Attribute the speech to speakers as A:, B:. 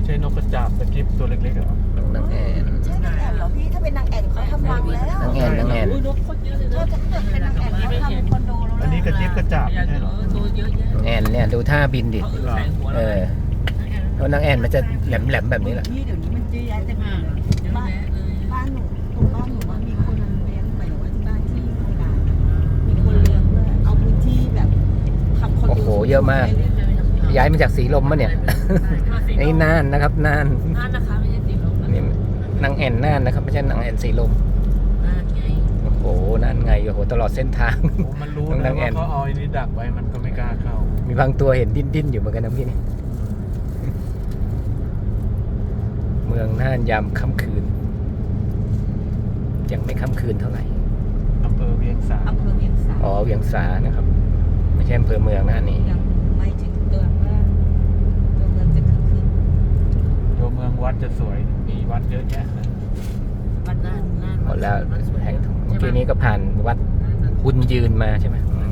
A: ช่นกกระจาบตะกิบตัวเล็กๆเหรอน
B: างแอน
C: ใช่นางแอ่นเหรอพี่ถ้าเป็นนางแอ่นเขาทำรังแล้ว
B: นางแอนนางแอน
D: อุ้ยนกโคตรเยอะเลย
C: ถ้า
D: นะ
C: จะเกิดเป็นนางแอ่นเขาทำคอนโดแล้ว
A: อันนี้กระจิบกระจาบ
D: อยาก
A: ใช่เหรอ
D: ตัวเยอะแยะ
B: นางแอนเนี่ยดูท่าบินดิ
D: เขาใส่หัว
B: เอ
D: เรา
B: อเพราะนางแอนมันจะแหลมๆแบบนี้แหละ
C: พี่เดี๋ยวนี้มันเยอะแยะเต็มไปหมดเลย
D: เยอะ
C: บ้าน
D: แยะเลย
C: บ้านหนูตรงบ้านหนูว่ามีคนเลี้ยงไปหรือว่าที่บ้านที่โคราชมีคนเลี้ยงด้วยเอาพื้นที่แบบทำคอนโด
B: โอ้โหเยอะมาก ย้ายมาจากสีลมมะเนี่ย นี่น่านนะครับน่าน
D: น่านนะคะไม่ใช่สีลมนะ
B: นี่นางแอนน่านนะครับไม่ใช่นางแอนสีลม
D: น่านไง
B: โอ้โหนั่นไงโอ้โหตลอดเส้นทาง
A: โอ้มันรู้
B: น้อง
A: นะ
B: นางแอ่
A: ว่าน เขาเอาอันนี้ดักไว้มันก็ไม่กล้าเข้า
B: มีบางตัวเห็นดิ้นๆอยู่เหมือนกันนะพี่นี่เมืองน่านยามค่ำคืนยังไม่ค่ำคืนเท่าไหร่
A: อำเภอเวียงสา
C: อำเภอเวียงสา
B: อ๋อเวียงสานะครับ ไม่ใช่อำเภอเมืองนะอันนี้
C: ยังไม่ถึงตัวเมืองตัวเมืองจะคึกคืน
A: ตัวเมืองวัดจะสวยมีวัดเยอะแยะเลย
C: วัน
D: น่า
C: นั้น น
D: น่าน
B: หมดแล้วแห่งเมื่อกี้นี้ก็ผ่านวัดบุญยืนมาใช่ไหม